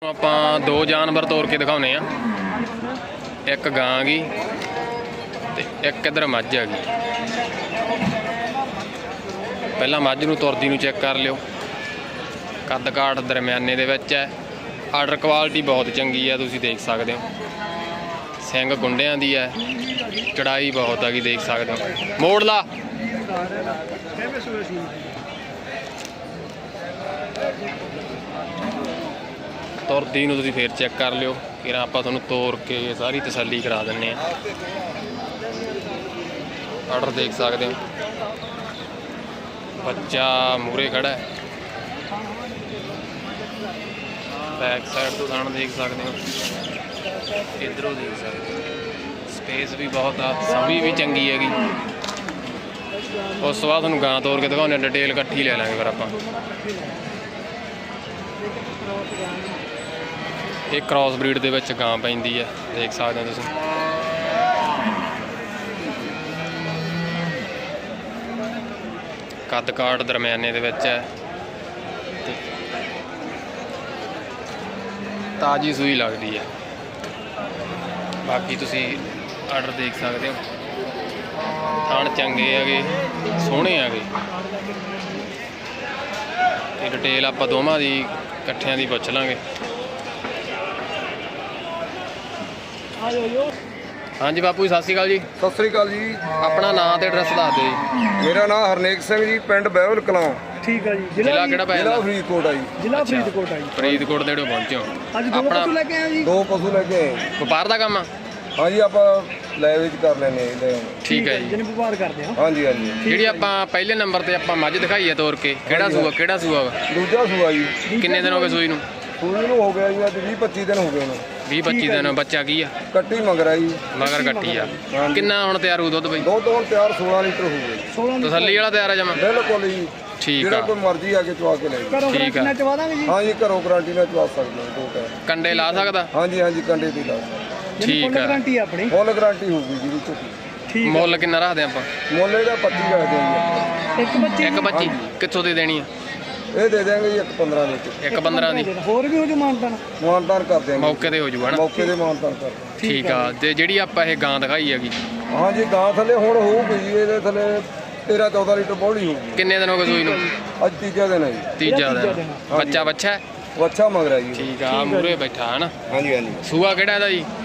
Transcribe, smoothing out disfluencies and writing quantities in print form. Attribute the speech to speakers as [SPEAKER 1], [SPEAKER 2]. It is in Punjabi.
[SPEAKER 1] ਆਪਾਂ ਦੋ ਜਾਨਵਰ ਤੋਰ ਕੇ ਦਿਖਾਉਨੇ ਆ, ਇੱਕ ਗਾਂ ਗੀ ਤੇ ਇੱਕ ਇਧਰ ਮੱਝ ਆ ਗਈ। ਪਹਿਲਾਂ ਮੱਝ ਨੂੰ ਤੁਰਦੀ ਨੂੰ ਚੈੱਕ ਕਰ ਲਿਓ, ਕੱਦ ਕਾਠ ਦਰਮਿਆਨੇ ਦੇ ਵਿੱਚ ਹੈ। ਆਰਡਰ ਕੁਆਲਿਟੀ ਬਹੁਤ ਚੰਗੀ ਹੈ, ਤੁਸੀਂ ਦੇਖ ਸਕਦੇ ਹੋ। ਸਿੰਘ ਗੁੰਡਿਆਂ ਦੀ ਹੈ, ਚੜਾਈ ਬਹੁਤ ਹੈਗੀ, ਦੇਖ ਸਕਦੇ ਹੋ। ਮੋੜ ਲਾ ਤੁਰਦੀ ਨੂੰ ਤੁਸੀਂ ਫੇਰ ਚੈੱਕ ਕਰ ਲਿਓ ਕਿ ਆਪਾਂ ਤੁਹਾਨੂੰ ਤੋਰ ਕੇ ਸਾਰੀ ਤਸੱਲੀ ਕਰਾ ਦਿੰਨੇ ਆ। ਆਰਡਰ ਦੇਖ ਸਕਦੇ ਹੋ, ਬੱਚਾ ਮੂਰੇ ਖੜਾ ਹੈ। ਬੈਕ ਸਾਈਡ ਤੋਂ ਥਣ ਦੇਖ ਸਕਦੇ ਹੋ, ਇਧਰੋਂ ਦੇਖ ਸਕਦੇ ਹੋ। ਸਪੇਸ ਵੀ ਬਹੁਤ ਆ, ਸਮੀ ਵੀ ਚੰਗੀ ਹੈਗੀ। ਉਸ ਤੋਂ ਬਾਅਦ ਤੁਹਾਨੂੰ ਗਾਂ ਤੋਰ ਕੇ ਦਿਖਾਉਂਦੇ, ਡਿਟੇਲ ਇਕੱਠੀ ਲੈ ਲਾਂਗੇ ਫਿਰ ਆਪਾਂ। ਇਹ ਕ੍ਰਾਸ ਬਰੀਡ ਦੇ ਵਿੱਚ ਗਾਂ ਪੈਂਦੀ ਹੈ, ਦੇਖ ਸਕਦੇ ਹੋ ਤੁਸੀਂ। ਕੱਦ ਕਾਠ ਦਰਮਿਆਨੇ ਦੇ ਵਿੱਚ ਹੈ, ਤਾਜ਼ੀ ਸੂਈ ਲੱਗਦੀ ਹੈ। ਬਾਕੀ ਤੁਸੀਂ ਆਰਡਰ ਦੇਖ ਸਕਦੇ ਹੋ, ਥਣ ਚੰਗੇ ਹੈਗੇ, ਸੋਹਣੇ ਹੈਗੇ। ਤੇ ਡਿਟੇਲ ਆਪਾਂ ਦੋਵਾਂ ਦੀ ਇਕੱਠਿਆਂ ਦੀ ਪੁੱਛ ਲਾਂਗੇ। ਹਾਂਜੀ ਬਾਪੂ ਜੀ, ਸਤਿ ਸ਼੍ਰੀ ਅਕਾਲ ਜੀ।
[SPEAKER 2] ਸਤਿ ਸ੍ਰੀ ਅਕਾਲ ਜੀ।
[SPEAKER 1] ਆਪਣਾ ਨਾਮ ਤੇ ਐਡਰੈਸ ਦੱਸ ਦਿਓ ਜੀ।
[SPEAKER 2] ਮੇਰਾ ਨਾਮ ਹਰਨੇਕ ਸਿੰਘ ਜੀ, ਪਿੰਡ ਬਹਿਵਲ ਕਲਾਂ।
[SPEAKER 3] ਠੀਕ ਹੈ ਜੀ।
[SPEAKER 1] ਜ਼ਿਲ੍ਹਾ ਕਿਹੜਾ ਪੈ
[SPEAKER 2] ਜ਼ਿਲ੍ਹਾ
[SPEAKER 1] ਜਾਂਦਾ?
[SPEAKER 2] ਫਰੀਦਕੋਟ ਆ ਜੀ।
[SPEAKER 3] ਜ਼ਿਲ੍ਹਾ ਫਰੀਦਕੋਟ ਆ ਜੀ।
[SPEAKER 1] ਫਰੀਦਕੋਟ ਦੇ ਜਿਹੜੇ ਪਹੁੰਚੇ ਹੋ।
[SPEAKER 3] ਅੱਜ ਦੋ ਪਸ਼ੂ ਲੈ ਕੇ ਆਏ ਜੀ।
[SPEAKER 2] ਦੋ ਪਸ਼ੂ ਲੈ ਕੇ ਆਏ।
[SPEAKER 1] ਵਪਾਰ ਦਾ ਕੰਮ ਆ?
[SPEAKER 2] ਹਾਂਜੀ, ਆਪਾਂ ਲੈ ਵਿੱਚ ਕਰ ਲੈਨੇ ਆ।
[SPEAKER 1] ਠੀਕ ਹੈ ਜੀ।
[SPEAKER 3] ਜਿਹਨੇ ਵਪਾਰ ਕਰਦੇ ਹਾਂ।
[SPEAKER 2] ਹਾਂਜੀ ਹਾਂਜੀ।
[SPEAKER 1] ਜਿਹੜੀ ਆਪਾਂ ਪਹਿਲੇ ਨੰਬਰ ਤੇ ਆਪਾਂ ਮੱਝ ਦਿਖਾਈ ਹੈ ਤੋਰ ਕੇ, ਕਿਹੜਾ ਸੂਆ ਵਾ?
[SPEAKER 2] ਦੂਜਾ ਸੂਆ ਜੀ।
[SPEAKER 1] ਕਿੰਨੇ ਦਿਨ ਹੋ ਗਏ ਸੂਈ ਨੂੰ?
[SPEAKER 2] ਸੂਈ ਨੂੰ ਹੋ ਗਿਆ ਜੀ ਅੱਜ 20-25 ਦਿਨ ਹੋ ਗਏ ਉਹਨੂੰ।
[SPEAKER 1] 20-25 ਦਿਨ। ਬੱਚਾ ਕੀ ਆ?
[SPEAKER 2] ਕੱਟੀ ਮਗਰਾ ਜੀ।
[SPEAKER 1] ਮਗਰ ਕੱਟੀ ਆ। ਕਿੰਨਾ ਹੁਣ ਤਿਆਰ ਹੋਊ ਦੁੱਧ ਬਈ?
[SPEAKER 2] ਦੁੱਧ ਹੁਣ ਤਿਆਰ 16 ਲੀਟਰ ਹੋ ਗਏ।
[SPEAKER 3] 16
[SPEAKER 1] ਤਸੱਲੀ ਵਾਲਾ ਤਿਆਰ ਆ ਜਮਾ?
[SPEAKER 2] ਬਿਲਕੁਲ ਜੀ।
[SPEAKER 1] ਠੀਕ
[SPEAKER 2] ਜਿਹੜਾ
[SPEAKER 1] ਆ।
[SPEAKER 2] ਕੋਈ ਮਰਜ਼ੀ ਆ ਕੇ ਚਵਾ ਕੇ ਲੈ ਜੀ।
[SPEAKER 3] ਘਰੋਂ
[SPEAKER 1] ਠੀਕ ਆ।
[SPEAKER 3] ਕਿੰਨਾ ਚਵਾ ਦਾਂਗੇ ਜੀ।
[SPEAKER 2] ਹਾਂਜੀ, ਘਰੋਂ ਗਾਰੰਟੀ ਨਾਲ ਚਵਾ ਸਕਦੇ ਹੋ। ਦੋ ਟਾਇਰ
[SPEAKER 1] ਕੰਡੇ ਲਾ ਸਕਦਾ?
[SPEAKER 2] ਹਾਂਜੀ ਹਾਂਜੀ, ਕੰਡੇ ਦੀ ਲਾ।
[SPEAKER 1] ਠੀਕ ਆ।
[SPEAKER 3] ਗਾਰੰਟੀ ਆਪਣੀ
[SPEAKER 2] ਫੁੱਲ ਗਾਰੰਟੀ ਹੋਊਗੀ ਜੀ ਝੋਟੀ।
[SPEAKER 3] ਠੀਕ।
[SPEAKER 1] ਮੁੱਲ ਕਿੰਨਾ ਰੱਖਦੇ ਆਪਾਂ?
[SPEAKER 2] ਮੁੱਲ ਇਹਦਾ 25 ਰੱਖਦੇ ਜੀ।
[SPEAKER 3] ਇੱਕ ਬੱਚੇ
[SPEAKER 1] ਇੱਕ 25? ਕਿੱਥੋਂ ਦੇ ਦੇਣੀ ਆ?
[SPEAKER 2] ਇਹ ਦੇ ਦਿਆਂਗੇ ਜੀ 1-15 ਦੇ ਵਿੱਚ।
[SPEAKER 1] 1-15 ਦੀ
[SPEAKER 3] ਹੋਰ ਵੀ ਹੋ ਜੋ ਮਾਨਤਾਨ।
[SPEAKER 2] ਮਾਨਤਾਨ ਕਰ ਦਿਆਂਗੇ।
[SPEAKER 1] ਮੌਕੇ ਤੇ ਹੋ ਜੂਗਾ ਨਾ?
[SPEAKER 2] ਮੌਕੇ ਦੇ ਮਾਨਤਾਨ ਕਰ ਦਿਆਂਗੇ।
[SPEAKER 1] ਠੀਕ ਆ। ਤੇ ਜਿਹੜੀ ਆਪਾਂ ਇਹ ਗਾਂ ਦਿਖਾਈ ਹੈਗੀ,
[SPEAKER 2] ਹਾਂਜੀ, ਗਾਂ ਥੱਲੇ ਹੁਣ ਹੋਊਗੀ ਜੀ, ਇਹਦੇ ਥੱਲੇ 13-14 ਲੀਟਰ ਬੋਲੀ ਹੋਊਗੀ।
[SPEAKER 1] ਕਿੰਨੇ ਦਿਨ ਹੋ ਗਏ ਸੂਈ ਨੂੰ?
[SPEAKER 2] ਅੱਜ ਤੀਜਾ ਦਿਨ ਹੈ ਜੀ।
[SPEAKER 1] ਤੀਜਾ ਦਿਨ। ਬੱਚਾ ਬੱਚਾ?
[SPEAKER 2] ਵੱਛਾ ਮਗਰਾ ਜੀ।
[SPEAKER 1] ਠੀਕ ਆ। ਮੂਰੇ ਬੈਠਾ ਹੈ ਨਾ?
[SPEAKER 2] ਹਾਂਜੀ ਹਾਂਜੀ।
[SPEAKER 1] ਸੂਆ ਕਿਹੜਾ ਇਹਦਾ ਜੀ?